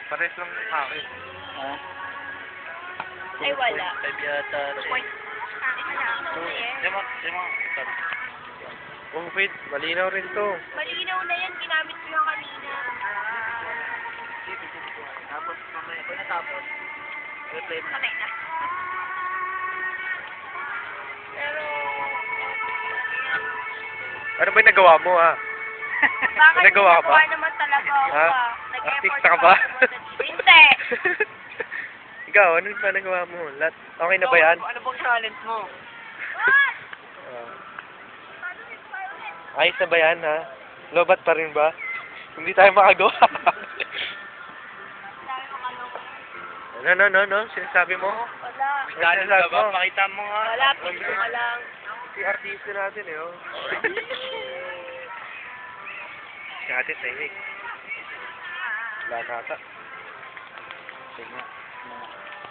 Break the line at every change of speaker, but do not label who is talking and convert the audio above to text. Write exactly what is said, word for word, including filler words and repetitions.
Pares lang ng akin.
Ha?
Ay, wala.
Five yata.
Two point.
Lima, lima.
Oh, wait. Malinaw rin to.
Malinaw na yan. Ginamit ko yung kanina.
Tapos, mamaya, kung natapos, replay mo.
Patay na. Pero...
Ano ba yung nagawa mo, ha?
Bakit
Nagawa ka ba?
nagawa naman talaga ako,
Ha?
ah. Nag-effort
Artista ka
pa
ba?
ako pumunta dito. Hindi!
Ikaw, ano ba nagawa mo? Lat okay na ba yan?
Ano bang challenge mo?
Ah. Ayos na ba yan, ha? Lobat pa rin ba? Hindi tayo makagawa. ano, no, no, no? Sinasabi mo?
Wala.
Challenge ka ba? Pakita mo nga.
Wala. Picture ka lang.
Si artista natin, eh, oh. Si ate, tahimik. Wala nata.
Sige nga.